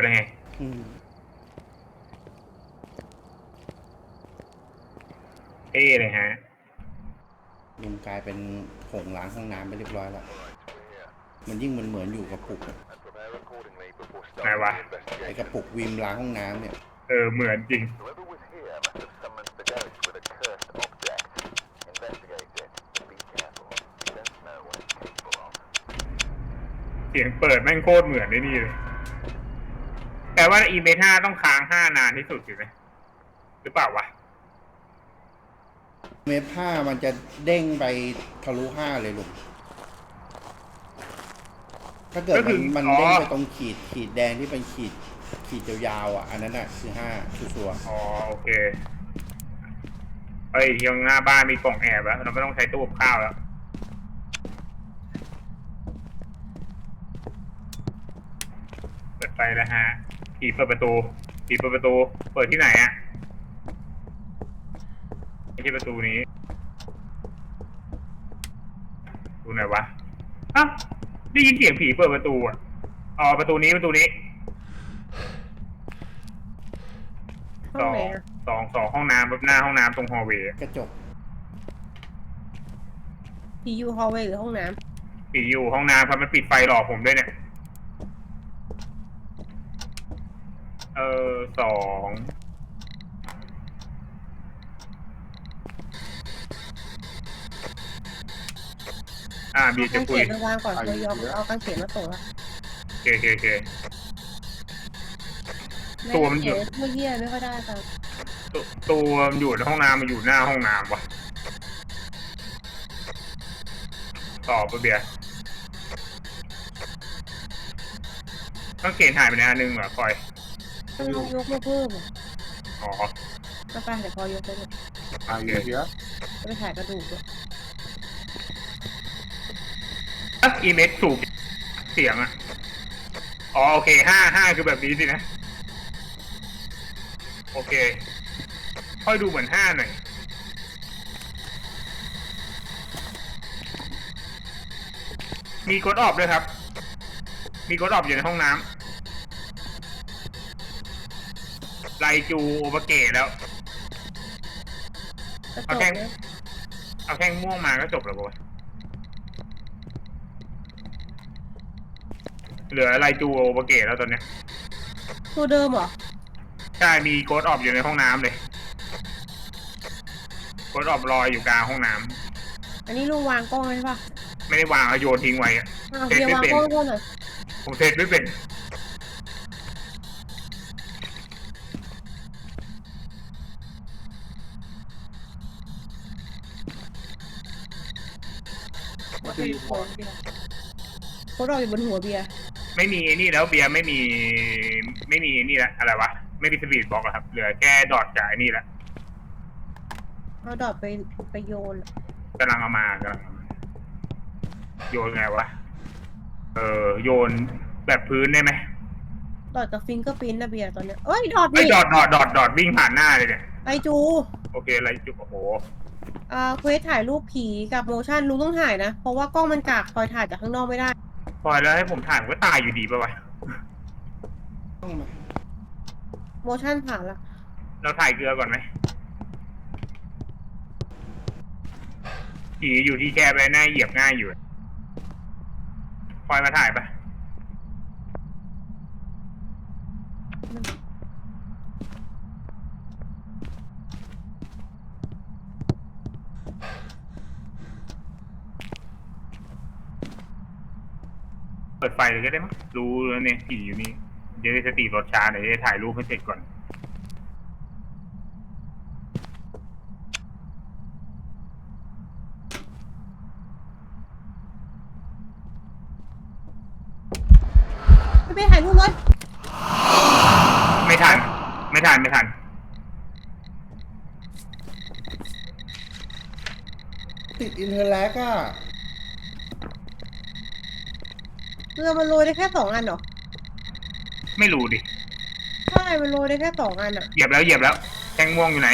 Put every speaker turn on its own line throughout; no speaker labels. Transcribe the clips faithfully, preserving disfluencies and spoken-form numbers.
แล้วไงเท่เลยฮะ
ลุงกลายเป็นผงล้างห้องน้ำไปเรียบร้อยแล้วมันยิ่งมันเหมือนอยู่กับปุก
ไหนวะ
ไอกระปุกวิมล้างห้องน้ำเนี่ย
เออเหมือนจริงเสียงเปิดแม่งโคตรเหมือนได้นี่เลยแต่ว่าอีเมท่าต้องค้างห้านานที่สุดใช่ไหมหรือเปล่าวะ
เมตรห้ามันจะเด้งไปทะลุห้าเลยลุงถ้าเกิดมันมันเด้งไปตรงขีดขีดแดงที่เป็นขีดขีดยาวๆอ่ะอันนั้นอ่ะคือห้าชัวร์
อ๋อโอเคเอ้ยที่หน้าบ้านมีกล่องแอบแล้วเราไม่ต้องใช้ตู้กับข้าวแล้วเปิดไฟแล้วฮะผีเปิดประตูผีเปิดประตูเปิดที่ไหนอะไม่ใช่ประตูนี้ดูไหนวะอ้าวได้ยินเสียงผีเปิดประตูอ่ะอ๋อประตูนี้ประตูนี้สองสองสองห้องน้ำแบบหน้าห้องน้ำตรงฮอลล์เวย์
กระจก
ผีอยู่ฮอลล์เวย์หรือห้องน้ำ
ผีอยู่ห้องน้ำครับมันปิดไฟหลอกผมด้วยเนี่ยเออสองอ่าบีจะคุย
เอากางเขนมาวางก่อนเรายอมเอากางเขนมาส่งละ
โอเคโอเคโอเค
ตัวมันอยู่เมื่อกี้ไม่ค่อยได้ครับ
ตัวมันอยู่ในห้องน้ำมันอยู่หน้าห้องน้ำวะต่อปะเบียร์ต้องเกณฑ์หายไปในอันนึงเหรอคอย
ต้องยกยกมาเพิ่ม
อ๋อ
ก็ไปเดี๋ยวพอยกไปเลย
โอเคเดี๋ยว
จะไปถ่ายกระดูกด้วย
อ่ะอีเมจสูบเสียงอ่ะอ๋อโอเคห้าห้าคือแบบนี้สินะโอเคค่อยดูเหมือนห้าหน่อยมีกดออฟด้วยครับมีกดออฟอยู่ในห้องน้ำไลจูโอเปเกตแล้วเอาแท่งเอาแท่งม่วงมาก็จบแล้วป่ะเหลือไลจูโอเปเกตแล้วตอนเนี้ย
ตัวเดิมเหรอ
ใช่มีโค้ดออฟอยู่ในห้องน้ำเลยโค้ดออฟลอยอยู่กลางห้องน้
ำอันนี้ลุงวางกล้องใช่ปะ
ไม่ได้วางเอาโยนทิ้งไว้อะ
เซตไม่เป็น
ผมเซตไม่เป็น
โค้ดเราอยู่บนหัวเบียร์
ไม่มีนี่แล้วเบียร์ไม่มีไม่มีนี่ละอะไรวะไม่มีสปีดบล็อกแล้วครับเหลือแค่ดอทกับไอ้นี่ละ
เอาดอทไปไปโยน
กำลังเอามากำลังโยนไงวะเออโยนแบบพื้นได้ไหม
ดอทกับฟิงเกอร์พิ้นนะเบียร์ตอนเนี้ยเอ้ยดอท
ไม่ดอทดอทดอทดอทวิ่งผ่านหน้าเลยเนี่ย
ไอจู
โอเคไรจูโอ้โห
อ่าเควสถ่ายรูปผีกับโมชั่นลุงต้องถ่ายนะเพราะว่ากล้องมันกากคอยถ่ายจากข้างนอกไม่ได้
พอแล้วให้ผมถ่ายก็ตายอยู่ดีป่ะวะ
โมชั่นผ่านละ
เราถ่ายเกลือก่อนไหมผีอยู่ที่แคบไปหน้าเหยียบง่ายอยู่พอยมาถ่ายปะเปิดไฟเลยก็ได้มั้งรู้แล้วเนี่ยผีอยู่นี่จะได้สติรถช้าเดี๋ยวจะถ่ายรูปให้เสร็จก่อน
ไม่ไปถ่ายรูปเลย
ไม่ทันไม่ทันไม่ทัน
ติดอินเทอร์แลกอะ
เรือมันโรยได้แค่สองอันเหรอ
ไม่รู้ดิ
ใช่มันโรยได้แค่สองอันอะ
เหยียบแล้วเหยียบแล้วแทงม่วงอยู่ไหน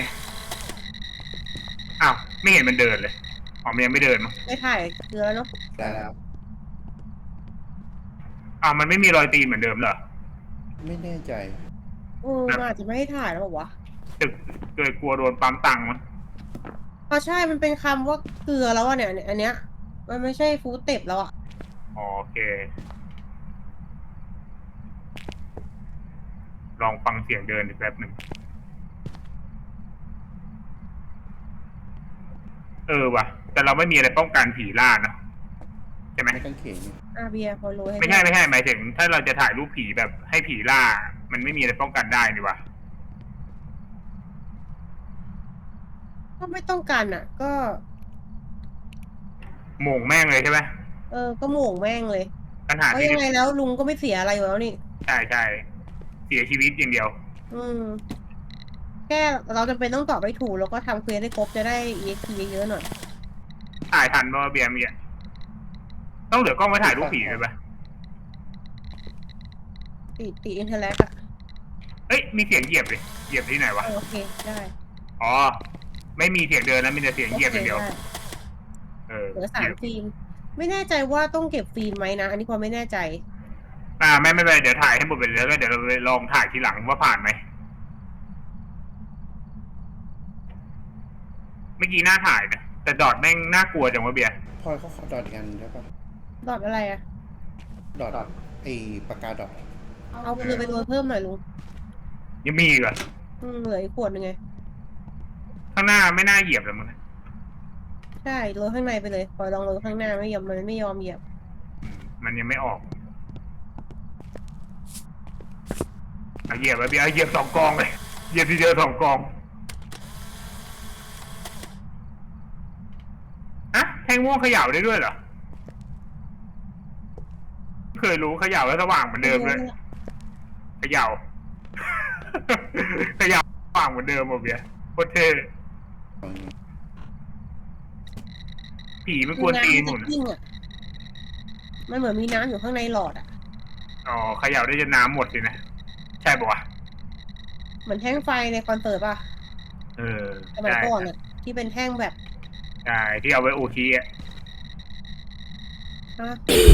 อ้าวไม่เห็นมันเดินเลยอ๋อมันยังไม่เดินมั้ง
ไม่ถ่ายเรือเนาะ
ได้แล้ว
อ้าวมันไม่มีรอยตีนเหมือนเดิมเหรอ
ไม่แน่ใจ
เออมันอาจจะไม่ให้ถ่ายแล้วบอกวะ
ตึกเกิดกลัวโดนปั๊มตังค์มั้ง
เพราะใช่มันเป็นคำว่าเกลือแล้วอะเนี่ยเนี่ยอันเนี้ยมันไม่ใช่ฟู้ดเต็ปแล้วอะ
อ๋อโอเค ลองฟังเสียงเดินอีกแป๊บหนึ่งเออว่ะ แต่เราไม่มีอะไรป้องกันผีล่าเนอะใช่ไหม
ไม่กางเขนเนี่ย
อาเบียร์พอรู้ให้
ไม่ใช่ไม่ใช่หมายถึง ถ้าเราจะถ่ายรูปผีแบบให้ผีล่า มันไม่มีอะไรป้องกันได้นี่วะ
ก็ไม่ต้องการอะก็
โหม่งแม่งเลยใช่ไหม
เออก็โหม่งแม่งเลย
ปัญหา
เพราะ
ที่
ยังไงแล้วลุงก็ไม่เสียอะไรอยู่แล้วนี่
ใช่ใช่เสียชีวิตอย่างเดียว
อืมแค่เราจำเป็นต้องตอบให้ถูกแล้วก็ทำเควสให้ครบจะได้ อี เอ็กซ์ พี เยอะๆหน่อย
ถ่ายทันป่ะเบียร์เมียต้องเหลือกล้องไว้ถ่ายรูปผีเลยปะ
ติดติดอินเทอร์แลกอะ
เอ้ยมีเสียงเหยียบเลยเหยียบที่ไหนวะ
เออโอเคได้
อ๋อ ไม่มีเสียงเดินแล้วมีแต่เสียงเหยียบอย่างเดียว
โอคไ
เออ
เหลือสามฟิล์มไม่แน่ใจว่าต้องเก็บฟิล์มไหมนะ อันนี้พอไม่แน่ใจ
อ่าไม่ไม่เป็นไรเดี๋ยวถ่ายให้หมดไปเลยแล้วก็เดี๋ยวเราไปลองถ่ายทีหลังว่าผ่านไหมเมื่อกี้หน้าถ่ายนะแต่ดอดแม่งน่ากลัวจังวะเบียร์
พลอยเขาขอดอทกันใช่ปะ
ดอทอะไรอะ
ดอทไอปากกาดอท
เอาเกลือไปโรยเพิ่มหน่อยลุง
ยังมีอีกเหรอ
อืมเหลืออีกขวดหนึงไง
ข้างหน้าไม่น่าเหยียบเลยมึง
ใช่โรยข้างในไปเลยปล่อยลองโรยข้างหน้าไม่ยอมมันไม่ยอมเหยียบ
อืมมันยังไม่ออกเอาเหยียบไปเบียร์เอาเหยียบสองกองเลยเหยียบทีเดียวสองกองอะแท่งม่วงเขย่าได้ด้วยเหรอไม่เคยรู้เขย่าแล้วสว่างเหมือนเดิมเลยเขย่า เขย่าสว่างเหมือนเดิมหมดเบียร์โคตรเท่
ของนี้
ผีไม่กวนตีนห
มั
มุ
น
น
จะกิ้งอะมันเหมือนมีน้ำอยู่ข้างในหลอดอะ
อ๋อเขย่าได้จนน้ำหมดสินะ ใช่ปะวะ
เหมือนแท่งไฟในคอนเสิร์ตป่ะ
เออ
สมัย
ใช่
ก่อนอะที่เป็นแท่งแบบ
ใช่ที่เอาไว้โอทีอ่ะ
ฮะ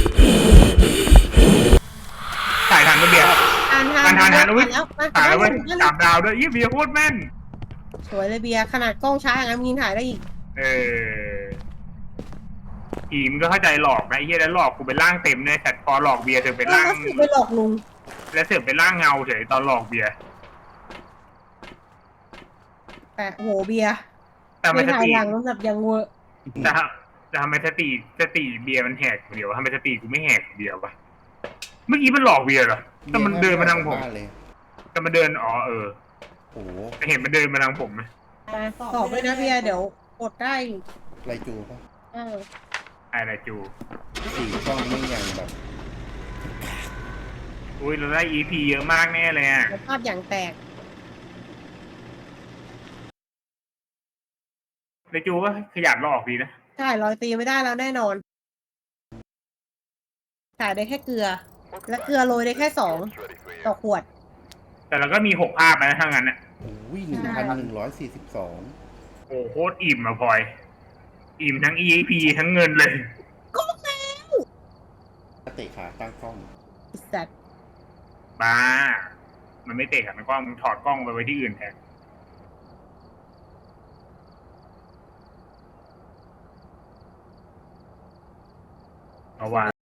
ถ่ายทันก็เบียร์
ทานทา
ทาน นทานทานอุ้ย
แล้วมา
ถ่ายแล้วเว้ย
มา
สามดาวด้วยยี่เบียร์โคตรแม่น
สวยเลยเบียร์ขนาดกล้องช้าอย่างนั้นมึงยังถ่ายได้อีก
เออผีมันก็เข้าใจหลอกนะไอ้เหี้ยแล้วหลอกกูเป็นร่างเต็มเนี่ยแต่พอหลอกเบียร์เธอเป็น
เออ
ร่าง
ก็คือไปหลอกลุง
แล้วเธอเป็นร่างเงาเฉยตอนหลอกเบียร์
แต่โหเบียร์
แต่ทำไม
ไม่
ส
ถ่าย
ติ
หลังแบบยังเวอร์
แต่แต่ทำไมสติสติเบียร์มันแหกคนเดียววะทำไมสติกูไม่แหกคนเดียววะเมื่อกี้มันหลอกเบียร์เหรอแต่มันเดินมาทางผม
บ้นเลย
แต่มันเดินอ๋อเออ
โอ้โห
แต่เห็นมันเดินมาทางผมไหม
ตอบด้วยนะเบียร์เดี๋ยวกดได้
ไรจูปะ
เออ
อะไรจู
สี่กล้องไม่อย่างแบบ
อุ้ยเราได้ อี พี เยอะมากแน่เลยอ่ะ
แล้วภาพอย่างแตก
ในจูก็ขยันหลอกดีนะ
ใช่รอยตีไม่ได้แล้วแน่นอนถ่ายได้แค่เกลือ และเกลือโรยได้แค่สองต่อขวด
แต่เราก็มีหกภาพนะถ้างั้นอ่ะ
โอ้ยหนึ่งพันหนึ่งร้อยสี่สิบสอง
โอ้โหโคตรอิ่มอะพลอย อิ่มทั้ง อี พี ทั้งเงินเลย
ก็แล้ว
เตะขาตั้งกล้อง
ไอ้สัตว์
บ้า มันไม่เตะกับมันกล้องมึงถอดกล้องไปไว้ที่อื่นแทนเอาว่า